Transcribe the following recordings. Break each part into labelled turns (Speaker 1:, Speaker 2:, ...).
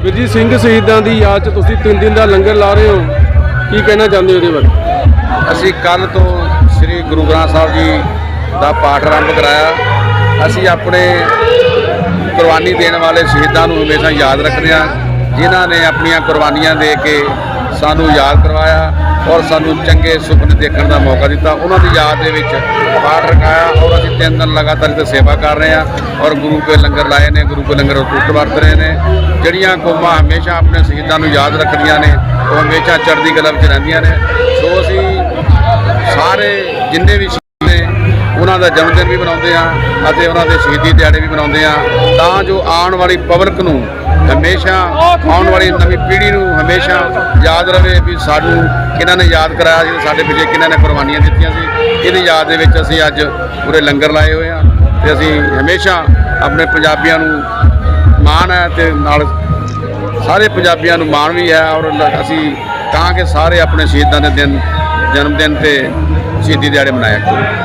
Speaker 1: ਵੀਰ ਜੀ ਸਿੰਘ ਸ਼ਹੀਦਾਂ ਦੀ ਯਾਦ 'ਚ ਤੁਸੀਂ 3 ਦਿਨ ਦਾ ਲੰਗਰ ਲਾ ਰਹੇ ਹੋ, ਕੀ ਕਹਿਣਾ ਚਾਹੁੰਦੇ ਹੋ ਇਹਦੇ ਬਾਰੇ?
Speaker 2: ਅਸੀਂ ਕੱਲ੍ਹ ਤੋਂ ਸ੍ਰੀ ਗੁਰੂ ਗ੍ਰੰਥ ਸਾਹਿਬ ਜੀ ਦਾ ਪਾਠ ਆਰੰਭ ਕਰਾਇਆ। ਅਸੀਂ ਆਪਣੇ ਕੁਰਬਾਨੀ ਦੇਣ ਵਾਲੇ ਸ਼ਹੀਦਾਂ ਨੂੰ ਹਮੇਸ਼ਾ ਯਾਦ ਰੱਖਦੇ ਹਾਂ, ਜਿਨ੍ਹਾਂ ਨੇ ਆਪਣੀਆਂ ਕੁਰਬਾਨੀਆਂ ਦੇ ਕੇ ਸਾਨੂੰ ਯਾਦ ਕਰਵਾਇਆ ਔਰ ਸਾਨੂੰ ਚੰਗੇ ਸੁਪਨੇ ਦੇਖਣ ਦਾ ਮੌਕਾ ਦਿੱਤਾ। ਉਹਨਾਂ ਦੀ ਯਾਦ ਦੇ ਵਿੱਚ ਪਾਠ ਰਖਾਇਆ ਔਰ ਅਸੀਂ 3 ਦਿਨ ਲਗਾਤਾਰ ਇੱਥੇ ਸੇਵਾ ਕਰ ਰਹੇ ਹਾਂ ਔਰ ਗੁਰੂ ਕੇ ਲੰਗਰ ਲਾਏ ਨੇ, ਗੁਰੂ ਕੇ ਲੰਗਰ ਟੁੱਟ ਵਰਤ ਰਹੇ ਨੇ। ਜਿਹੜੀਆਂ ਕੌਮਾਂ ਹਮੇਸ਼ਾ ਆਪਣੇ ਸ਼ਹੀਦਾਂ ਨੂੰ ਯਾਦ ਰੱਖਦੀਆਂ ਨੇ ਉਹ ਹਮੇਸ਼ਾ ਚੜ੍ਹਦੀ ਕਲਾ ਵਿੱਚ ਰਹਿੰਦੀਆਂ ਨੇ। ਸੋ ਅਸੀਂ ਸਾਰੇ ਜਿੰਨੇ ਵੀ ਸ਼ਹੀਦ ਨੇ ਉਹਨਾਂ ਦਾ ਜਨਮ ਦਿਨ ਵੀ ਮਨਾਉਂਦੇ ਹਾਂ ਅਤੇ ਉਹਨਾਂ ਦੇ ਸ਼ਹੀਦੀ ਦਿਹਾੜੇ ਵੀ ਮਨਾਉਂਦੇ ਹਾਂ, ਤਾਂ ਜੋ ਆਉਣ ਵਾਲੀ ਪਬਲਿਕ ਨੂੰ ਹਮੇਸ਼ਾ, ਆਉਣ ਵਾਲੀ ਨਵੀਂ ਪੀੜ੍ਹੀ ਨੂੰ ਹਮੇਸ਼ਾ ਯਾਦ ਰਹੇ ਵੀ ਸਾਨੂੰ ਕਿਹਨਾਂ ਨੇ ਯਾਦ ਕਰਾਇਆ ਸੀ, ਸਾਡੇ ਪਿੱਛੇ ਕਿਹਨਾਂ ਨੇ ਕੁਰਬਾਨੀਆਂ ਦਿੱਤੀਆਂ ਸੀ। ਇਹਦੀ ਯਾਦ ਦੇ ਵਿੱਚ ਅਸੀਂ ਅੱਜ ਪੂਰੇ ਲੰਗਰ ਲਾਏ ਹੋਏ ਹਾਂ ਅਤੇ ਅਸੀਂ ਹਮੇਸ਼ਾ ਆਪਣੇ ਪੰਜਾਬੀਆਂ ਨੂੰ ਮਾਣ ਹੈ ਅਤੇ ਨਾਲ ਸਾਰੇ ਪੰਜਾਬੀਆਂ ਨੂੰ ਮਾਣ ਵੀ ਹੈ ਔਰ ਅਸੀਂ ਤਾਂ ਕਿ ਸਾਰੇ ਆਪਣੇ ਸ਼ਹੀਦਾਂ ਦੇ ਦਿਨ, ਜਨਮ ਦਿਨ ਅਤੇ ਸ਼ਹੀਦੀ ਦਿਹਾੜੇ ਮਨਾਇਆ ਕਰੋ।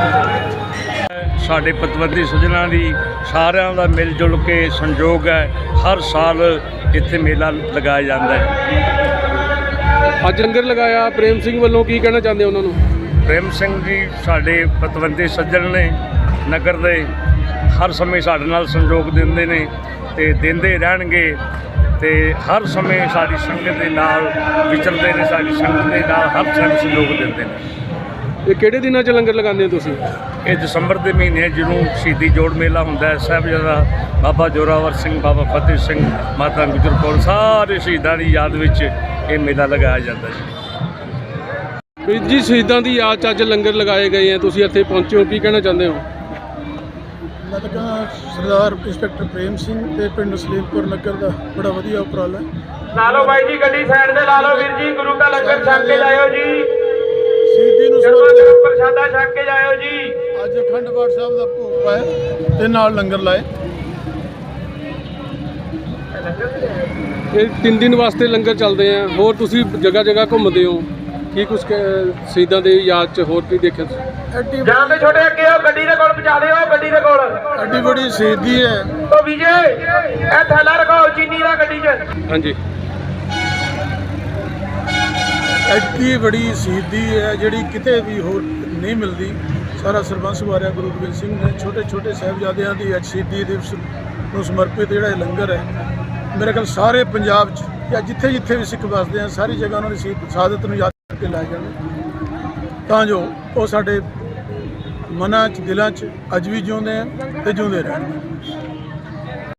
Speaker 3: ਸਾਡੇ ਪਤਵੰਤੇ ਸੱਜਣਾਂ ਦੀ ਸਾਰਿਆਂ ਦਾ ਮਿਲ ਜੁਲ ਕੇ ਸੰਯੋਗ ਹੈ। ਹਰ ਸਾਲ ਇੱਥੇ ਮੇਲਾ ਲਗਾਇਆ ਜਾਂਦਾ ਹੈ।
Speaker 1: ਅੱਜ ਲੰਗਰ ਲਗਾਇਆ ਪ੍ਰੇਮ ਸਿੰਘ ਵੱਲੋਂ, ਕੀ ਕਹਿਣਾ ਚਾਹੁੰਦੇ ਉਹਨਾਂ ਨੂੰ?
Speaker 3: ਪ੍ਰੇਮ ਸਿੰਘ ਜੀ ਸਾਡੇ ਪਤਵੰਤੇ ਸੱਜਣ ਨੇ, ਨਗਰ ਦੇ ਹਰ ਸਮੇਂ ਸਾਡੇ ਨਾਲ ਸੰਯੋਗ ਦਿੰਦੇ ਨੇ ਅਤੇ ਦਿੰਦੇ ਰਹਿਣਗੇ ਅਤੇ ਹਰ ਸਮੇਂ ਸਾਡੀ ਸੰਗਤ ਦੇ ਨਾਲ ਵਿਚਰਦੇ ਨੇ, ਸਾਡੀ ਸੰਗਤ ਦੇ ਨਾਲ ਹਰ ਸਮੇਂ ਸੰਯੋਗ ਦਿੰਦੇ ਨੇ।
Speaker 1: ਇਹ ਕਿਹੜੇ ਦਿਨਾਂ 'ਚ ਲੰਗਰ ਲਗਾਉਂਦੇ ਹੋ ਤੁਸੀਂ?
Speaker 3: ਇਹ ਦਸੰਬਰ ਦੇ ਮਹੀਨੇ ਜਦੋਂ ਸ਼ਹੀਦੀ ਜੋੜ ਮੇਲਾ ਹੁੰਦਾ ਹੈ, ਸਾਹਿਬਜ਼ਾਦਾ ਬਾਬਾ ਜ਼ੋਰਾਵਰ ਸਿੰਘ, ਬਾਬਾ ਫਤਿਹ ਸਿੰਘ, ਮਾਤਾ ਗੁਜਰ ਕੌਰ, ਸਾਰੇ ਸ਼ਹੀਦਾਂ ਦੀ ਯਾਦ ਵਿੱਚ ਇਹ ਮੇਲਾ ਲਗਾਇਆ ਜਾਂਦਾ ਜੀ।
Speaker 1: ਵੀਰ ਜੀ ਸ਼ਹੀਦਾਂ ਦੀ ਯਾਦ 'ਚ ਅੱਜ ਲੰਗਰ ਲਗਾਏ ਗਏ ਆ, ਤੁਸੀਂ ਇੱਥੇ ਪਹੁੰਚੇ ਹੋ, ਕੀ ਕਹਿਣਾ ਚਾਹੁੰਦੇ ਹੋ?
Speaker 4: ਮੈਂ ਤਾਂ ਕਹਾਂ ਸਰਦਾਰ ਇੰਸਪੈਕਟਰ ਪ੍ਰੇਮ ਸਿੰਘ ਤੇ ਪਿੰਡ ਸਲੀਮਪੁਰ ਨਗਰ ਦਾ ਬੜਾ ਵਧੀਆ ਉਪਰਾਲਾ ਹੈ।
Speaker 5: ਲਾ ਲਓ ਬਾਈ ਜੀ, ਗੱਡੀ ਸਾਈਡ ਤੇ ਲਾ ਲਓ ਵੀਰ ਜੀ, ਗੁਰੂ ਦਾ ਲੰਗਰ ਛਕ ਕੇ ਜਾਇਓ ਜੀ,
Speaker 4: ਸ਼ਹੀਦੀ ਨੂੰ
Speaker 5: ਗਰਮ ਪ੍ਰਸ਼ਾਦਾ ਛਕ ਕੇ ਜਾਇਓ ਜੀ।
Speaker 4: ਅੱਜ ਅਖੰਡ ਪਾਠ ਸਾਹਿਬ ਦਾ ਭੋਗ ਪਾਇਆ ਤੇ ਨਾਲ ਲੰਗਰ ਲਾਏ।
Speaker 1: ਇਹ 3 ਦਿਨ ਵਾਸਤੇ ਲੰਗਰ ਚੱਲਦੇ ਆ, ਹੋਰ ਤੁਸੀਂ ਜਗ੍ਹਾ ਜਗ੍ਹਾ ਘੁੰਮਦੇ ਹੋ, ਕੀ ਕੁਛ ਸ਼ਹੀਦਾਂ ਦੀ ਯਾਦ 'ਚ ਹੋਰ ਕੀ ਦੇਖਿਆ?
Speaker 4: ਐਡੀ
Speaker 5: ਜਾਂ ਤੇ ਛੋਟੇ ਅੱਗੇ ਆਓ, ਗੱਡੀ ਦੇ ਕੋਲ ਪਹੁੰਚਾ ਦਿਓ, ਗੱਡੀ ਦੇ ਕੋਲ।
Speaker 4: ਐਡੀ ਬੜੀ ਸ਼ਹੀਦੀ ਹੈ।
Speaker 5: ਉਹ ਵਿਜੇ ਇਹ ਥੈਲਾ ਰਖਾਓ ਚੀਨੀ ਦਾ ਗੱਡੀ 'ਚ।
Speaker 1: ਹਾਂਜੀ,
Speaker 4: ਐਡੀ ਬੜੀ ਸ਼ਹੀਦੀ ਹੈ ਜਿਹੜੀ ਕਿਤੇ ਵੀ ਹੋਰ ਨਹੀਂ ਮਿਲਦੀ। ਸਾਰਾ ਸਰਬੰਸ ਵਾਰਿਆ ਗੁਰੂ ਗੋਬਿੰਦ ਸਿੰਘ ਨੇ ਛੋਟੇ ਛੋਟੇ ਸਾਹਿਬਜ਼ਾਦਿਆਂ ਦੀ ਅੱਜ ਸ਼ਹੀਦੀ ਦਿਵਸ ਨੂੰ ਸਮਰਪਿਤ ਜਿਹੜਾ ਇਹ ਲੰਗਰ ਹੈ, ਮੇਰੇ ਖਿਆਲ ਸਾਰੇ ਪੰਜਾਬ 'ਚ ਜਾਂ ਜਿੱਥੇ ਜਿੱਥੇ ਵੀ ਸਿੱਖ ਵੱਸਦੇ ਆ ਸਾਰੀ ਜਗ੍ਹਾ ਉਹਨਾਂ ਦੀ ਸ਼ਹਾਦਤ ਨੂੰ ਯਾਦ ਕਰਕੇ ਲਾਏ ਜਾਣ, ਤਾਂ ਜੋ ਉਹ ਸਾਡੇ ਮਨਾਂ 'ਚ, ਦਿਲਾਂ 'ਚ ਅੱਜ ਵੀ ਜਿਉਂਦੇ ਆ ਅਤੇ ਜਿਉਂਦੇ ਰਹਿਣ।